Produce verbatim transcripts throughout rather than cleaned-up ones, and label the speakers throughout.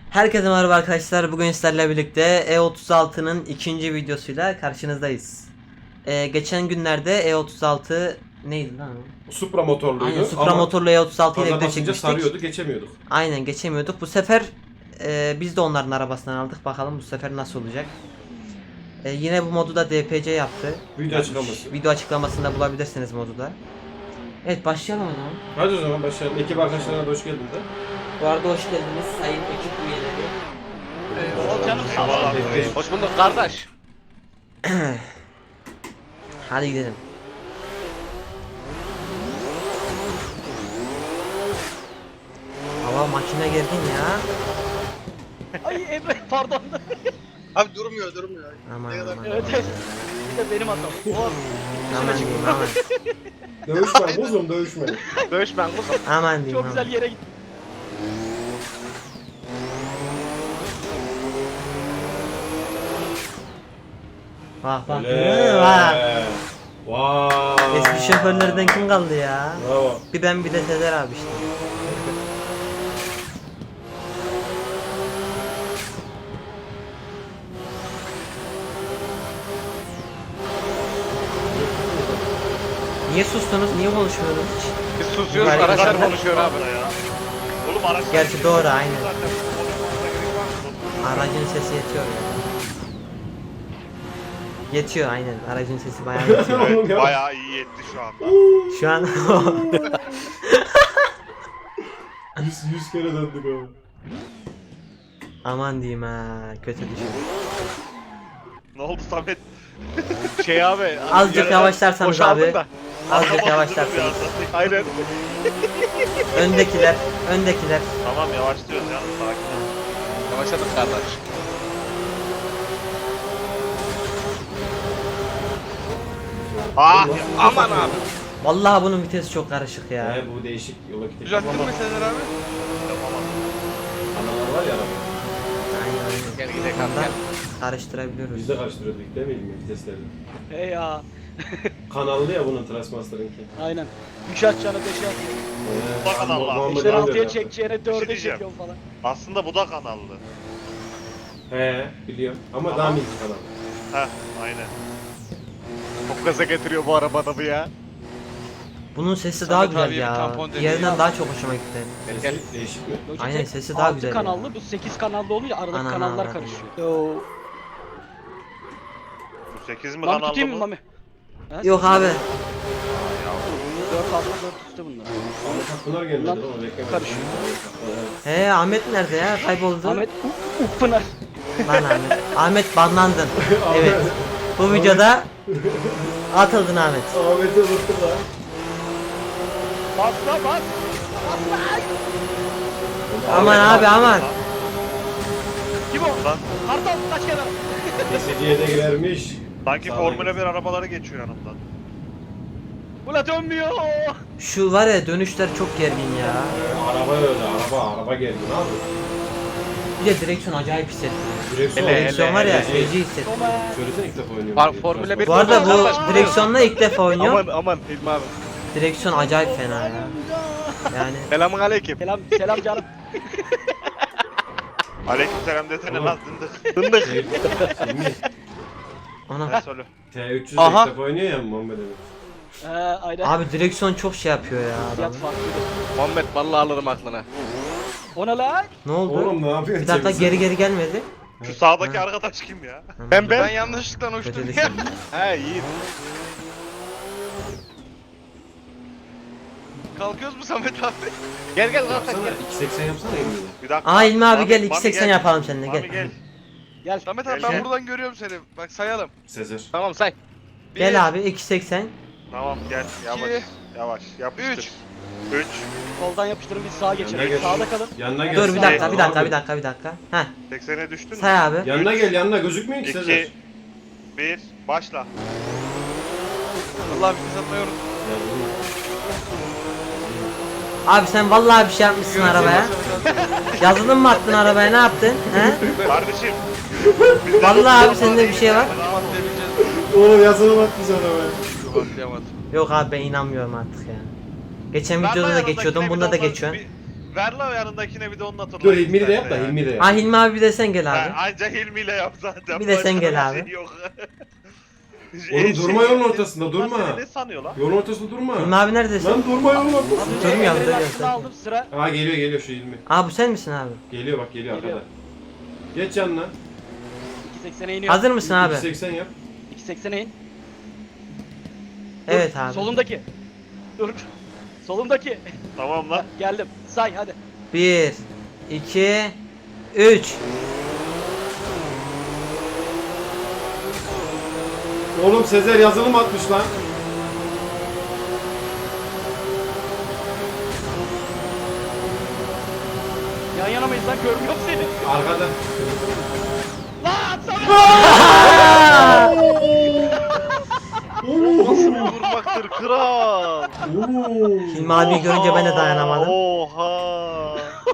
Speaker 1: Herkese merhaba arkadaşlar. Bugün sizlerle birlikte E otuz altının ikinci videosuyla karşınızdayız. Ee, geçen günlerde E otuz altı neydi lan o?
Speaker 2: Supra motorluydu.
Speaker 1: Aynen, Supra motorlu E otuz altı ile
Speaker 2: gaza
Speaker 1: video
Speaker 2: basınca
Speaker 1: çekmiştik.
Speaker 2: sarıyordu, geçemiyorduk.
Speaker 1: Aynen, geçemiyorduk. Bu sefer e, biz de onların arabasından aldık. Bakalım bu sefer nasıl olacak. E, yine bu modu da D P C yaptı.
Speaker 2: Video
Speaker 1: Yapmış.
Speaker 2: açıklaması.
Speaker 1: Video açıklamasında bulabilirsiniz modu da. Evet, başlayalım o zaman.
Speaker 2: Hadi o zaman başlayalım. Ekip arkadaşlarına da hoş geldin de.
Speaker 1: Bu arada hoş geldiniz sayın ekip üyeleri.
Speaker 3: Ol canım sağ ol.
Speaker 2: Bekleyin.
Speaker 3: Hoş bulduk kardeş.
Speaker 1: Hadi gidelim. Hava makine geldin ya.
Speaker 3: Ay Emre pardon.
Speaker 4: Abi durmuyor durmuyor.
Speaker 1: Aman
Speaker 4: Ne kadar-
Speaker 1: aman.
Speaker 3: Evet evet. Bir de benim hatam. Oh.
Speaker 1: Aman diyeyim aman.
Speaker 2: Dövüşme kuzum, dövüşme.
Speaker 3: Dövüşmen kuzum.
Speaker 1: Aman diyeyim
Speaker 3: Çok
Speaker 1: aman.
Speaker 3: güzel yere gittin.
Speaker 1: Bak bak.
Speaker 2: Öyle.
Speaker 1: Bak.
Speaker 2: Vay.
Speaker 1: Eski şoförlerden kim kaldı ya?
Speaker 2: Bravo.
Speaker 1: Bir ben bir de Sezer abi işte. Niye sustunuz? Niye konuşmuyorsunuz hiç?
Speaker 3: Biz susuyoruz
Speaker 1: Yukarı
Speaker 3: araçlar
Speaker 1: gidelim.
Speaker 3: konuşuyor abi.
Speaker 5: Oğlum araç
Speaker 1: Gerçi doğru, aynen.
Speaker 5: zaten konuşmamıza gerek var mı?
Speaker 1: Aracın sesi yetiyor ya. Yetiyor aynen. Aracın sesi bayağı yetiyor.
Speaker 2: Oğlum ya.
Speaker 5: Bayağı iyi yetti şu anda.
Speaker 1: Şu an
Speaker 2: Yüz, yüz kere döndük ama.
Speaker 1: aman diyeyim ha, kötü düşün.
Speaker 5: Ne oldu Samet?
Speaker 3: Şey abi.
Speaker 1: Azıcık
Speaker 3: yarın
Speaker 1: yavaşlarsanız
Speaker 3: boşaldın
Speaker 1: abi.
Speaker 3: da.
Speaker 1: Azıcık
Speaker 5: Anlamadım
Speaker 1: yavaşlarsanız.
Speaker 5: ya.
Speaker 3: Aynen.
Speaker 1: Öndekiler, öndekiler.
Speaker 5: Tamam yavaşlıyoruz ya. Sakin ol.
Speaker 3: Yavaşladık kardeş.
Speaker 5: Ah!
Speaker 3: Aman abi.
Speaker 1: Vallahi bunun vitesi çok karışık ya.
Speaker 2: He, bu değişik yola gidelim.
Speaker 4: Düzelttin mi Sezer abi?
Speaker 2: Analar var ya araba.
Speaker 1: Aynen aynen.
Speaker 3: Gel gidelim abi
Speaker 1: Ondan
Speaker 3: gel.
Speaker 1: karıştırabiliyoruz.
Speaker 2: Biz de karıştırıyorduk değil mi vitesleri?
Speaker 3: Hey ya.
Speaker 2: Kanallı ya bunun Transmaster'ınki.
Speaker 3: Aynen. üç atacağını beşe at.
Speaker 2: Ee,
Speaker 5: Bak Allah.
Speaker 2: Muhammed
Speaker 3: beşten
Speaker 2: Ali
Speaker 3: altıya
Speaker 2: öyle yaptı.
Speaker 3: çekeceğine dörde
Speaker 5: diyeceğim.
Speaker 3: çekiyorum falan.
Speaker 5: Aslında bu da kanallı.
Speaker 2: He biliyorum ama
Speaker 5: Ama-
Speaker 2: daha minik kanal.
Speaker 5: Heh aynen.
Speaker 3: Çok gaza getiriyor bu arabada bu ya.
Speaker 1: Bunun sesi
Speaker 4: Samet
Speaker 1: daha güzel
Speaker 4: abiye bir
Speaker 1: ya.
Speaker 4: tampon deneyi
Speaker 1: Diğerinden
Speaker 4: yap.
Speaker 1: daha çok hoşuma gitti.
Speaker 3: Gel.
Speaker 2: Sesi değişik mi?
Speaker 3: Logitech
Speaker 1: Aynen, sesi daha
Speaker 3: altı
Speaker 1: güzel ya.
Speaker 3: kanallı, bu sekiz kanallı olunca aradaki
Speaker 1: Ana,
Speaker 3: kanallar
Speaker 1: ana.
Speaker 3: karışıyor. Yo.
Speaker 5: Bu sekiz mi
Speaker 3: Lan
Speaker 5: kanallı
Speaker 3: tutayım mı
Speaker 5: bu?
Speaker 3: Mami? Ha,
Speaker 1: Yok abi.
Speaker 3: dört altı dört üstte bunlar.
Speaker 2: Ahmet Pınar gelmedi
Speaker 3: Lan,
Speaker 2: lan o reklam.
Speaker 3: karışıyor.
Speaker 1: He, Ahmet nerede ya? Kayboldu.
Speaker 3: Ahmet U- Upınar.
Speaker 1: Lan Ahmet. Ahmet banlandın. Evet. Bu videoda atıldın Ahmet.
Speaker 2: Ahmet'i unuttum lan.
Speaker 3: Basla bas.
Speaker 1: Aman abi aman.
Speaker 3: Kim o?
Speaker 5: Lan
Speaker 3: Kartal kaç kenara.
Speaker 2: Esediye de girermiş.
Speaker 5: sanki
Speaker 2: Sağ
Speaker 5: Formula
Speaker 2: olun.
Speaker 5: bir arabaları geçiyor yanımdan.
Speaker 3: Ula dönmüyor.
Speaker 1: Şu var ya, dönüşler çok gergin ya.
Speaker 2: Araba öyle, araba, araba geldi ne yapıyor?
Speaker 1: Bir de direksiyon acayip hissettiriyor.
Speaker 2: Direksiyon,
Speaker 3: Hele,
Speaker 1: Direksiyon var ya,
Speaker 2: hele, hele.
Speaker 1: feci hissettiriyor.
Speaker 3: Toma.
Speaker 2: Söylesene ilk defa oynuyorum.
Speaker 3: Var,
Speaker 2: diye.
Speaker 3: Formula bir-
Speaker 1: Bu arada bu
Speaker 3: Kardeş,
Speaker 1: direksiyonla ilk defa oynuyorum.
Speaker 3: aman Hilmi abi.
Speaker 1: Direksiyon acayip fena ya. Yani
Speaker 3: Selamun aleyküm. Selam selam canım.
Speaker 5: Aleykümselam desene
Speaker 2: Oğlum.
Speaker 5: lan dındık.
Speaker 3: Dındık.
Speaker 2: Şey, Hilmi,
Speaker 5: Ne
Speaker 1: ona.
Speaker 5: söyle.
Speaker 2: T üç yüz
Speaker 3: Aha.
Speaker 2: ilk defa oynuyor ya Muhammed Ali.
Speaker 3: Ee, aynen.
Speaker 1: Abi direksiyon çok şey yapıyor ya
Speaker 3: Fiyat
Speaker 1: adam.
Speaker 3: farklı. Muhammed vallahi alırım aklına. Ona lan.
Speaker 1: Ne oldu?
Speaker 2: Oğlum ne yapıyorsun?
Speaker 1: Bir dakika,
Speaker 2: Cemil?
Speaker 1: geri geri gelmedi.
Speaker 5: Şu sağdaki arkadaş kim ya?
Speaker 3: Ben ben.
Speaker 4: Ben yanlışlıkla
Speaker 1: Kötü
Speaker 4: uçtum ya.
Speaker 1: düşün.
Speaker 3: He iyi.
Speaker 4: Kalkıyoruz mu Samet abi?
Speaker 3: Gel gel kalk
Speaker 2: Yapsana,
Speaker 3: gel.
Speaker 2: iki seksen yapsana Hilmi'yle.
Speaker 5: Bir dakika.
Speaker 1: Aa İlmi abi
Speaker 5: Mami,
Speaker 1: gel,
Speaker 5: Mami
Speaker 1: iki seksen
Speaker 5: gel.
Speaker 1: yapalım seninle,
Speaker 5: Mami
Speaker 1: gel.
Speaker 5: gel.
Speaker 3: Gel.
Speaker 4: Samet abi
Speaker 5: Gel,
Speaker 4: ben
Speaker 5: gel.
Speaker 4: buradan görüyorum seni. Bak sayalım.
Speaker 2: Sezer.
Speaker 3: Tamam say.
Speaker 4: Bir,
Speaker 1: Gel abi, iki seksen.
Speaker 5: Tamam gel yavaş.
Speaker 4: İki,
Speaker 5: Yavaş yapıştır.
Speaker 4: üç.
Speaker 5: üç.
Speaker 3: Soldan yapıştırın biz sağa
Speaker 2: Yanına
Speaker 3: geçelim.
Speaker 2: gel.
Speaker 3: Sağda kalın.
Speaker 2: Yanına gel.
Speaker 1: Dur bir
Speaker 2: Sağ-
Speaker 1: dakika, bir dakika,
Speaker 2: Abi,
Speaker 1: bir dakika, bir dakika. Heh,
Speaker 5: seksene düştün mü?
Speaker 1: say abi.
Speaker 2: Yanına gel, yanına gözükmüyor ki Sezer.
Speaker 5: iki. bir. Başla.
Speaker 4: Allah bir satmayı unut.
Speaker 2: Ya bunu-
Speaker 1: Abi sen vallahi bir şey yapmışsın arabaya. Yazılım mı attın arabaya, ne yaptın? He?
Speaker 5: Kardeşim. bizde
Speaker 1: Vallahi
Speaker 5: bu-
Speaker 1: abi sende bir şey var.
Speaker 4: Atlayabileceğiz.
Speaker 2: Oo yazılım atmış arabaya.
Speaker 4: Atlayamadım.
Speaker 1: Yok abi, ben inanmıyorum artık ya. Geçen
Speaker 5: Ver
Speaker 1: videoda
Speaker 5: lan
Speaker 1: da
Speaker 5: yanındakine
Speaker 1: geçiyordum,
Speaker 5: bir
Speaker 1: bunda da
Speaker 5: olsa-
Speaker 1: geçiyorsun.
Speaker 5: Bir, ver la yanındakine bir de onunla
Speaker 2: Dur Hilmi'yi de yap da Hilmi'yi de yap.
Speaker 1: Ah Hilmi abi bir de sen gel abi.
Speaker 5: Ha, anca Hilmi'yle yap zaten.
Speaker 1: Bir de sen
Speaker 5: Başka
Speaker 1: gel
Speaker 5: bir
Speaker 1: abi.
Speaker 5: şey yok.
Speaker 2: Oğlum durma yolun ortasında, durma.
Speaker 5: Bunlar seni ne sanıyor lan?
Speaker 2: Yolun ortasında durma.
Speaker 1: Hilmi abi neredesin?
Speaker 2: Lan durma yolun ortasında.
Speaker 1: Durmuyorum,
Speaker 6: Emre'nin
Speaker 1: duruyorum.
Speaker 6: aklını aldım sıra.
Speaker 2: Aa geliyor geliyor şu Hilmi.
Speaker 1: Aa bu sen misin abi?
Speaker 2: Geliyor bak geliyor
Speaker 6: Geliyor.
Speaker 2: arkada. Geç yanına.
Speaker 6: iki seksene iniyor.
Speaker 1: Hazır mısın abi?
Speaker 2: iki seksen yap.
Speaker 6: iki seksene in.
Speaker 1: Evet
Speaker 6: Dur,
Speaker 1: abi.
Speaker 6: Solundaki. Dur. Solundaki.
Speaker 5: Tamam lan.
Speaker 6: Geldim. Say hadi.
Speaker 1: bir, iki, üç.
Speaker 2: Oğlum Sezer yazılım atmış lan.
Speaker 6: Yan yana mıyız lan? Görmüyorum seni.
Speaker 2: Arkada.
Speaker 6: Lan sana.
Speaker 5: Nasıl bir vurmaktır kral?
Speaker 1: Hilmi abi görünce ben de dayanamadım.
Speaker 5: Oha.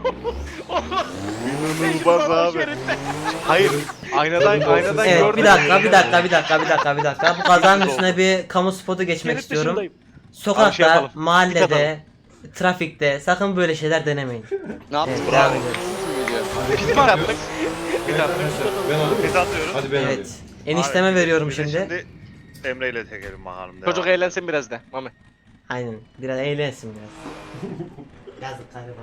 Speaker 6: Mecbur
Speaker 5: İnanılmaz
Speaker 6: olan
Speaker 5: abi.
Speaker 6: şeritte.
Speaker 5: Hayır. Aynadan aynadan
Speaker 1: Evet
Speaker 5: gördüm.
Speaker 1: bir dakika bir dakika bir dakika bir dakika bir dakika. Bu kazanın üstüne bir kamu spotu geçmek
Speaker 6: Şerit
Speaker 1: istiyorum.
Speaker 6: dışındayım.
Speaker 1: Sokakta,
Speaker 3: Abi şey yapalım.
Speaker 1: mahallede, trafikte sakın böyle şeyler denemeyin.
Speaker 3: Ne yaptık?
Speaker 1: Evet,
Speaker 5: Bravo.
Speaker 1: devam ediyoruz.
Speaker 3: Pit mi attık?
Speaker 2: Evet arkadaşlar ben alıyorum.
Speaker 5: Biz atıyoruz.
Speaker 2: Hadi ben alıyorum.
Speaker 1: Evet. Enişteme
Speaker 5: Abi,
Speaker 1: veriyorum
Speaker 5: bir de
Speaker 1: şimdi.
Speaker 5: Emre ile tekelim bakalım. devam.
Speaker 3: Çocuk eğlensin biraz da. Mami.
Speaker 1: Aynen. Biraz eğlensin biraz. Yazık galiba.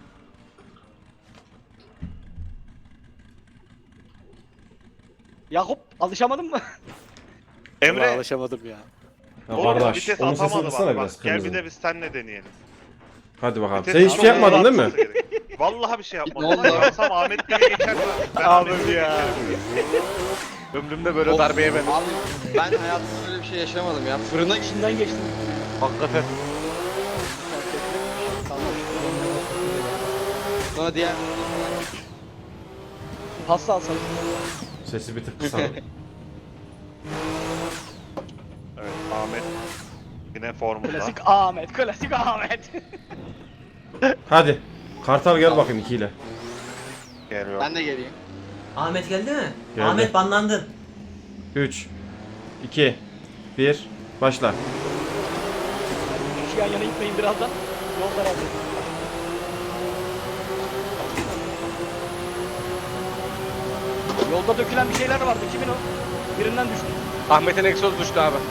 Speaker 6: Yakup alışamadın mı?
Speaker 5: Emre.
Speaker 3: alışamadım ya.
Speaker 2: Ya
Speaker 5: Oğlum
Speaker 2: kardeş
Speaker 5: vites
Speaker 2: onun sesini
Speaker 5: atamadı
Speaker 2: kıssana
Speaker 5: bak.
Speaker 2: biraz
Speaker 5: bak. Gel bir
Speaker 2: kırmızı.
Speaker 5: de biz seninle deneyelim.
Speaker 2: Hadi bakalım.
Speaker 5: Vites
Speaker 2: Sen hiçbir şey
Speaker 5: atamadı,
Speaker 2: yapmadın değil mi?
Speaker 5: atması gerek. Vallahi bir şey yapmadım.
Speaker 3: Ne oldu?
Speaker 5: Yapsam Ahmet Bey'e geçer mi? Ben
Speaker 3: Abi
Speaker 5: Ahmet Bey'e
Speaker 3: ya.
Speaker 5: geçerim.
Speaker 3: Ömrümde böyle darbeye ben.
Speaker 7: Abi ben hayatımda böyle bir şey yaşamadım ya. Fırına gittim.
Speaker 6: İçinden geçtim.
Speaker 3: Hakikaten.
Speaker 7: Sonra diğer
Speaker 6: Pasta alsana.
Speaker 2: Sesi bir tık kısana.
Speaker 5: Evet Ahmet. Yine formunda.
Speaker 6: Klasik Ahmet. Klasik Ahmet.
Speaker 2: Hadi. Kartal gel bakayım ikiyle.
Speaker 5: Geliyor.
Speaker 7: ben de geleyim.
Speaker 1: Ahmet geldi mi?
Speaker 2: Geldi.
Speaker 1: Ahmet banlandın.
Speaker 2: üç, iki, bir, başla.
Speaker 6: Şu yan yana gitmeyin birazdan. Yol daraldı. Yolda dökülen bir şeyler vardı. Kimin o? Birinden düştü.
Speaker 3: Ahmet'in egzoz düştü abi.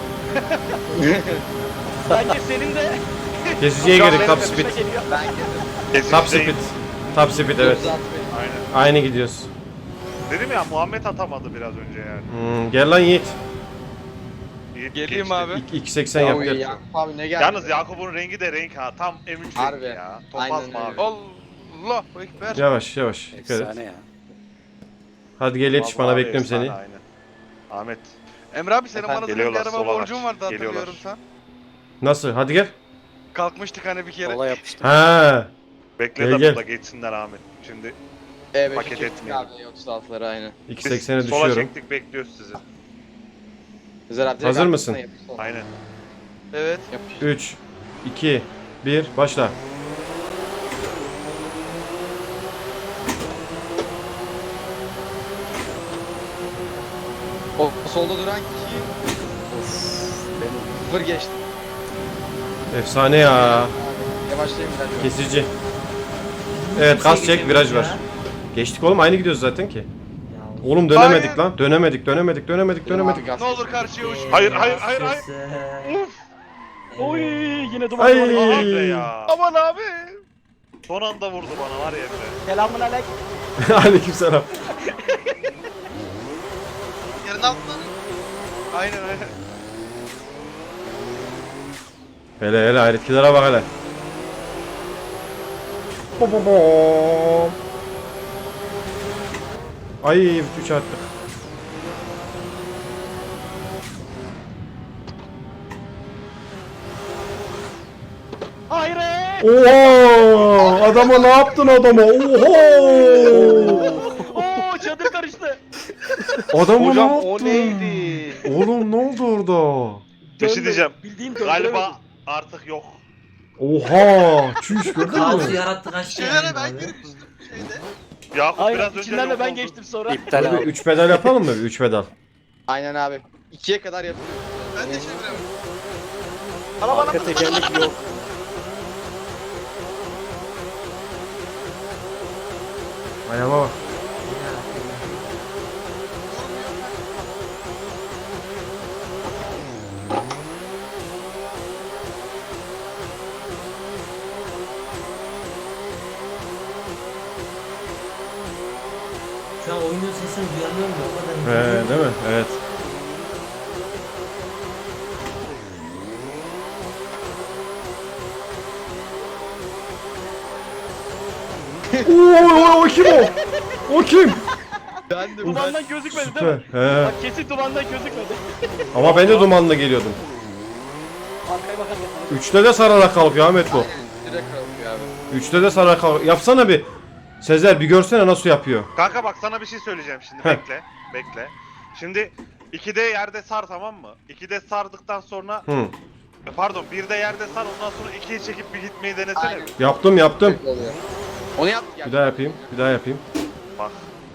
Speaker 6: Bence senin de
Speaker 2: Kesiciye
Speaker 3: Şu an
Speaker 2: gerek
Speaker 3: benim
Speaker 2: top
Speaker 3: de
Speaker 2: speed.
Speaker 6: geliyor.
Speaker 7: Ben geldim.
Speaker 2: Top
Speaker 5: Kesişteyim.
Speaker 2: speed. Top speed evet.
Speaker 7: Uzat beni.
Speaker 5: Aynen.
Speaker 2: Aynı gidiyoruz.
Speaker 5: Dedim ya Muhammed atamadı biraz önce yani.
Speaker 2: Hmm, gel lan Yiğit.
Speaker 5: Yiğit
Speaker 3: Geleyim
Speaker 5: geçti.
Speaker 3: abi.
Speaker 2: İki- iki seksen yap
Speaker 7: Oy,
Speaker 2: gel.
Speaker 7: Yakup abi ne geldi?
Speaker 5: Yalnız Yakup'un rengi de renk ha. Tam M üç
Speaker 7: Harbi.
Speaker 5: rengi ya. Topaz
Speaker 7: Aynen
Speaker 5: mavi.
Speaker 7: öyle.
Speaker 4: Allah ekber.
Speaker 2: Yavaş yavaş. Dikkat et.
Speaker 3: ya.
Speaker 2: Hadi gel yetiş bana
Speaker 5: Vallahi
Speaker 2: bekliyorum
Speaker 5: efsane,
Speaker 2: seni.
Speaker 5: Aynen. Ahmet.
Speaker 4: Emre abi senin
Speaker 7: Efendim,
Speaker 4: bana da bir
Speaker 5: geliyorlar,
Speaker 4: araba
Speaker 5: sola
Speaker 4: borcun
Speaker 5: var.
Speaker 4: vardı hatırlıyorum
Speaker 5: Geliyorlar.
Speaker 4: sen.
Speaker 2: Nasıl? Hadi gel.
Speaker 4: Kalkmıştık hani bir kere.
Speaker 3: Olay yapıştı.
Speaker 2: Ha.
Speaker 5: Bekle
Speaker 2: Gel,
Speaker 5: de
Speaker 2: gel.
Speaker 5: burada geçsinler Ahmet. Şimdi
Speaker 7: E beş
Speaker 5: paket
Speaker 7: çektik
Speaker 5: etmeyelim.
Speaker 7: abi otuz altıları aynı.
Speaker 2: iki
Speaker 5: biz
Speaker 2: seksene
Speaker 5: sola
Speaker 2: düşüyorum.
Speaker 5: çektik bekliyoruz sizi.
Speaker 7: Güzel abi. direkt
Speaker 2: Hazır
Speaker 7: arkasına
Speaker 2: mısın?
Speaker 7: yapış sonra.
Speaker 5: Aynen.
Speaker 4: Evet.
Speaker 7: Yapış.
Speaker 2: üç, iki, bir, başla.
Speaker 7: O solda duran kişi. Sıfır geçti.
Speaker 2: Efsane ya.
Speaker 7: Abi, yavaşlayayım biraz.
Speaker 2: Kesici. Evet gaz çek viraj var.
Speaker 1: Ya.
Speaker 2: Geçtik oğlum aynı gidiyoruz zaten ki.
Speaker 1: Ya.
Speaker 2: Oğlum dönemedik
Speaker 4: Hayır.
Speaker 2: lan. Dönemedik dönemedik dönemedik dönemedik.
Speaker 7: Abi, gaz
Speaker 4: Ne olur
Speaker 7: çektim.
Speaker 4: karşıya uç.
Speaker 5: Hayır, hayır, hayır, hayır.
Speaker 1: Uf.
Speaker 6: Oy yine duman
Speaker 2: Ay.
Speaker 6: duman. duman.
Speaker 5: Emre ya.
Speaker 4: Aman abi.
Speaker 5: Son anda vurdu bana var ya Emre.
Speaker 6: Selamun aleyküm.
Speaker 2: Aleykümselam.
Speaker 4: Yerin altına. Aynen aynen.
Speaker 2: Hele hele hayretkilere bak hele. Bo bo bo. Ay üç attık.
Speaker 6: Hayır.
Speaker 2: Oha! Adama ne yaptın adama? Oha!
Speaker 6: Oo çadır karıştı.
Speaker 2: Adama ne
Speaker 3: Hocam
Speaker 2: yaptın?
Speaker 3: o neydi?
Speaker 2: Oğlum ne oldu orada?
Speaker 5: Bir şey
Speaker 6: Döndü.
Speaker 5: diyeceğim.
Speaker 6: Bildiğim döndü.
Speaker 5: Galiba artık yok.
Speaker 2: Oha! Çüş gördün
Speaker 1: Kaosu
Speaker 2: mü?
Speaker 1: yarattı kaçtı
Speaker 4: Şeylere
Speaker 1: yani
Speaker 4: ben
Speaker 1: abi.
Speaker 4: girmiştim şeyde.
Speaker 5: Yakup
Speaker 6: Aynen
Speaker 5: biraz önce
Speaker 6: içinden de
Speaker 5: yok
Speaker 6: ben
Speaker 5: oldu.
Speaker 6: geçtim sonra.
Speaker 3: İptal
Speaker 2: Böyle bir
Speaker 3: abi.
Speaker 2: üç pedal yapalım mı? Bir üç pedal.
Speaker 7: Aynen abi. İkiye kadar yapıyoruz.
Speaker 4: Ben de çeviremedim.
Speaker 6: Arabana
Speaker 3: Arka tekerlek yok.
Speaker 2: Ayağıma bak.
Speaker 1: Şu an oyunun sesini duyamıyorum da o kadar.
Speaker 2: He, değil mi? Evet. Oo, o kim o? O kim?
Speaker 7: Ben de
Speaker 6: Dumandan gözükmedi değil mi?
Speaker 2: Süper. He.
Speaker 6: Bak kesin dumandan gözükmedi.
Speaker 2: Ama ben de dumanla geliyordum.
Speaker 6: Arkaya bakarken.
Speaker 2: Üçte de sararak kalkıyor Ahmet bu.
Speaker 7: direkt kalkıyor abi.
Speaker 2: Üçte de sararak kalkıyor. Yapsana bir. Sezer bir görsene nasıl yapıyor.
Speaker 5: Kanka bak sana bir şey söyleyeceğim şimdi.
Speaker 2: Heh.
Speaker 5: Bekle. Bekle. Şimdi ikide yerde sar, tamam mı? ikide sardıktan sonra
Speaker 2: Hı.
Speaker 5: pardon birde yerde sar, ondan sonra ikiye çekip bir gitmeyi denesene
Speaker 7: Aynen.
Speaker 5: bir.
Speaker 2: Yaptım yaptım.
Speaker 7: Direkt oluyor. Onu yaptık ya.
Speaker 2: Bir daha yapayım. Bir daha yapayım.
Speaker 5: Bak.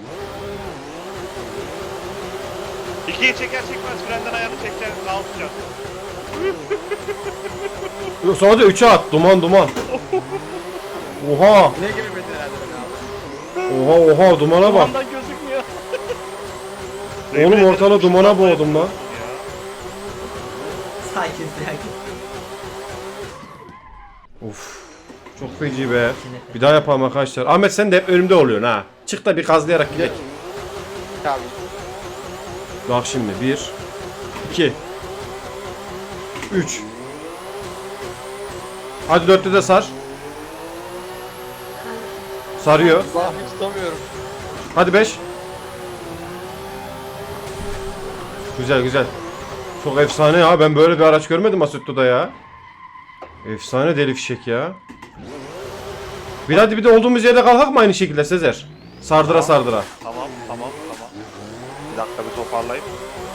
Speaker 5: İkiye çeker çekmez frenden ayağını çekeceksin, daha tutacaksın.
Speaker 2: Sonra da üçe at. Duman duman. Oha.
Speaker 7: Ne gibi bedel herhalde ben abi.
Speaker 2: Oha oha dumana bak.
Speaker 6: Dumandan gözükmüyor.
Speaker 2: Oğlum ortalığı dumana boğdum lan.
Speaker 1: Sakin sakin.
Speaker 2: Of. Çok feci be. Bir daha yapalım arkadaşlar. Ahmet sen de hep önümde oluyorsun ha. Çık da bir kazlayarak gidelim.
Speaker 7: Abi.
Speaker 2: Bak şimdi. Bir. iki. Üç. Hadi dörtte de sar. Sarıyor.
Speaker 7: Allah hiç tutamıyorum.
Speaker 2: Hadi beş. Güzel güzel. Çok efsane ya. Ben böyle bir araç görmedim Assetto'da ya. Efsane deli fişek ya. Bir hadi bir de olduğumuz yerde kalkak mı aynı şekilde Sezer? Sardıra sardıra.
Speaker 5: Tamam tamam tamam. Bir dakika bir toparlayayım.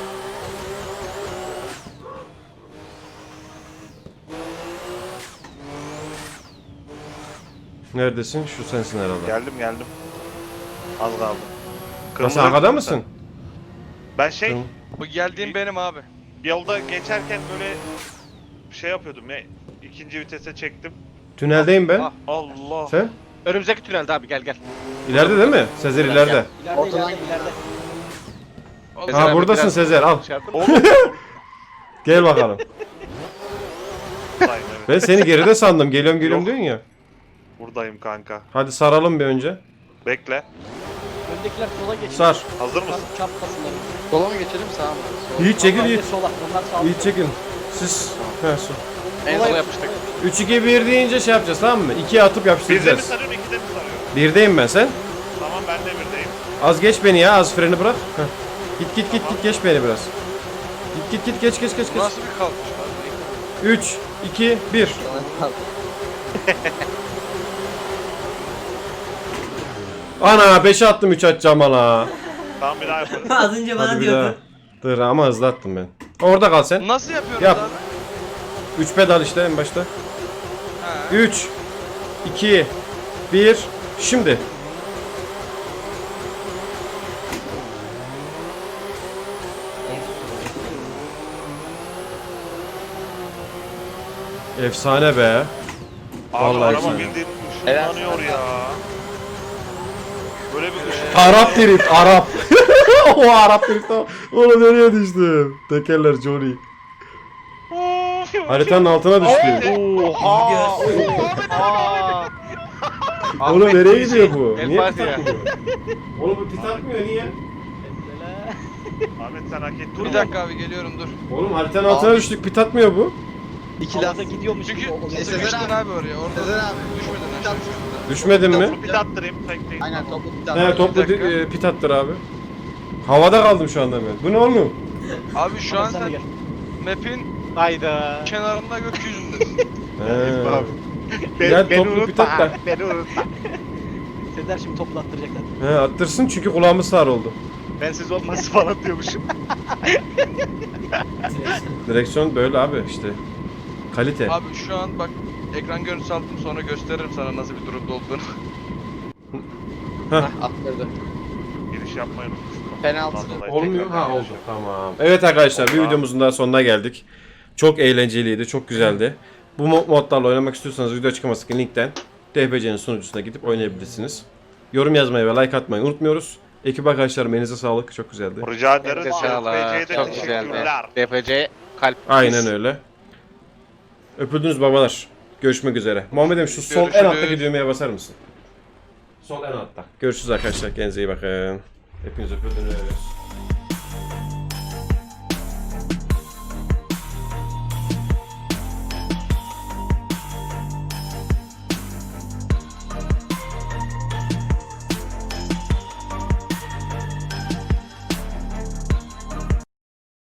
Speaker 2: Neredesin? Şu sensin herhalde.
Speaker 5: Geldim geldim. Az kaldı.
Speaker 2: Ya sen arkada mısın?
Speaker 5: Ben şey
Speaker 2: Tamam.
Speaker 3: Bu geldiğim benim abi.
Speaker 5: yolda geçerken böyle şey yapıyordum ya. İkinci vitese çektim.
Speaker 2: Tüneldeyim ben.
Speaker 3: Ah.
Speaker 5: Allah.
Speaker 2: Sen?
Speaker 3: Önümüzdeki tünelde abi, gel gel.
Speaker 2: İleride değil mi? Sezer ileride.
Speaker 6: İleride
Speaker 7: Ortadan
Speaker 6: ileride ileride.
Speaker 3: Sezer
Speaker 2: Ha
Speaker 3: abi,
Speaker 2: buradasın
Speaker 3: biraz
Speaker 2: Sezer al.
Speaker 3: şey yaptın.
Speaker 5: Oğlum.
Speaker 2: Gel bakalım.
Speaker 5: Buradayım evet.
Speaker 2: Ben seni geride sandım. Geliyorum geliyorum
Speaker 5: Yok.
Speaker 2: diyorsun ya.
Speaker 5: Buradayım kanka.
Speaker 2: Hadi saralım bir önce.
Speaker 5: Bekle.
Speaker 6: Öndekiler sola geçiyor.
Speaker 2: Sar.
Speaker 5: Hazır mısın?
Speaker 6: Çarpmasınlar.
Speaker 7: Sola mı geçelim sağa mı? Sola.
Speaker 2: Yiğit çekil
Speaker 6: Onlar
Speaker 2: Yiğit.
Speaker 6: de sola. Onlar sağ.
Speaker 2: Yiğit çekil. Siz. He su.
Speaker 3: En sona yapıştık.
Speaker 2: üç iki bir deyince şey yapacağız tamam mı? ikiye atıp
Speaker 5: Birde mi
Speaker 2: yapıştıracağız.
Speaker 5: sarıyorum, ikide mi sarıyorum?
Speaker 2: Birdeyim ben sen.
Speaker 5: Tamam ben de birdeyim.
Speaker 2: Az geç beni ya az freni bırak. Heh. Git git git git geç beni biraz. Git git git geç geç geç geç.
Speaker 3: Nasıl bir kalkış var?
Speaker 2: üç iki bir. Ana beşe attım üç atacağım ana.
Speaker 5: Tamam bir daha yaparız.
Speaker 1: Az önce bana
Speaker 2: Hadi bir daha.
Speaker 1: diyordun.
Speaker 2: Dur ama hızlı attım ben. Orada kal sen.
Speaker 3: Nasıl yapıyoruz
Speaker 2: Yap.
Speaker 3: abi?
Speaker 2: üç pedal işte en başta.
Speaker 3: Ha.
Speaker 2: üç iki bir şimdi. Efsane be.
Speaker 5: Abi
Speaker 2: Vallahi
Speaker 5: araba
Speaker 2: güzel.
Speaker 5: bildiğin
Speaker 7: Helal
Speaker 5: ışınlanıyor ya. Böyle bir ışın.
Speaker 2: Arap drift, Arap. O Arap drift. Onu nereye düştüm? Tekerler Johnny. Haritanın altına düştü.
Speaker 3: Oha. Aa.
Speaker 2: Oğlum
Speaker 3: Ahmet
Speaker 2: nereye
Speaker 3: bir
Speaker 2: gidiyor
Speaker 3: şey.
Speaker 2: bu?
Speaker 3: El
Speaker 2: Niye
Speaker 3: Fatiha.
Speaker 2: pit atmıyor? Oğlum bu pit atmıyor niye?
Speaker 5: Ahmet sen hak ettin.
Speaker 3: Bir dakika abi, geliyorum dur.
Speaker 2: Oğlum haritanın altına düştük pit atmıyor bu.
Speaker 7: İki laf.
Speaker 6: Havada gidiyormuş
Speaker 3: Çünkü
Speaker 6: gibi oluyor.
Speaker 7: Sezer
Speaker 3: sıkıştın
Speaker 7: abi.
Speaker 3: abi oraya. Orada
Speaker 7: Sezer abi.
Speaker 3: düşmedin
Speaker 7: Pit
Speaker 3: aşağı.
Speaker 7: at.
Speaker 2: Düşmedin mi?
Speaker 5: Toplu pit attırayım. Tek tek.
Speaker 7: Aynen toplu pit at.
Speaker 2: He toplu
Speaker 3: Bir dakika.
Speaker 2: di- e, pit attır abi. Havada kaldım şu anda ben. Bu ne oğlum?
Speaker 3: Abi şu an
Speaker 6: Sen de
Speaker 3: sen
Speaker 6: gel.
Speaker 3: map'in
Speaker 6: Hayda.
Speaker 3: kenarında gökyüzündesin.
Speaker 2: He.
Speaker 5: Abi.
Speaker 2: Gel toplu pit at da.
Speaker 5: Beni unutma.
Speaker 6: Sezer şimdi topla attıracaklar.
Speaker 2: He attırsın çünkü kulağımız sağır oldu.
Speaker 5: Ben siz olmazsa falan diyormuşum.
Speaker 2: Direksiyon böyle abi işte. Kalite.
Speaker 3: Abi şu an bak, ekran görüntüsü aldım, sonra gösteririm sana nasıl bir durumda olduğunu.
Speaker 7: Attırdı.
Speaker 5: Giriş yapmayı unutmuşum.
Speaker 7: Penaltı.
Speaker 5: Ondan dolayı
Speaker 2: Olmuyor
Speaker 5: tekrar
Speaker 2: ha oldu
Speaker 5: yapıyorum.
Speaker 2: tamam. Evet arkadaşlar bir
Speaker 5: Oldu.
Speaker 2: videomuzun daha sonuna geldik. Çok eğlenceliydi, çok güzeldi. Bu mo- modlarla oynamak istiyorsanız video açıklamasındaki linkten D P C'nin sunucusuna gidip oynayabilirsiniz. Yorum yazmayı ve like atmayı unutmuyoruz. Ekip arkadaşlarım elinize sağlık. Çok güzeldi.
Speaker 5: Rica ederiz.
Speaker 3: Elinize sağlık.
Speaker 5: F P C'ye de
Speaker 3: Çok güzeldi.
Speaker 5: teşekkürler.
Speaker 3: D F C kalp.
Speaker 2: Aynen öyle. Öpüldünüz babalar. Görüşmek üzere. Muhammed'im şu sol en
Speaker 3: Görüşürüz.
Speaker 2: alttaki düğmeye basar mısın? Sol en altta. Görüşürüz arkadaşlar. Kendinize iyi bakın. Hepiniz öpüldünüz.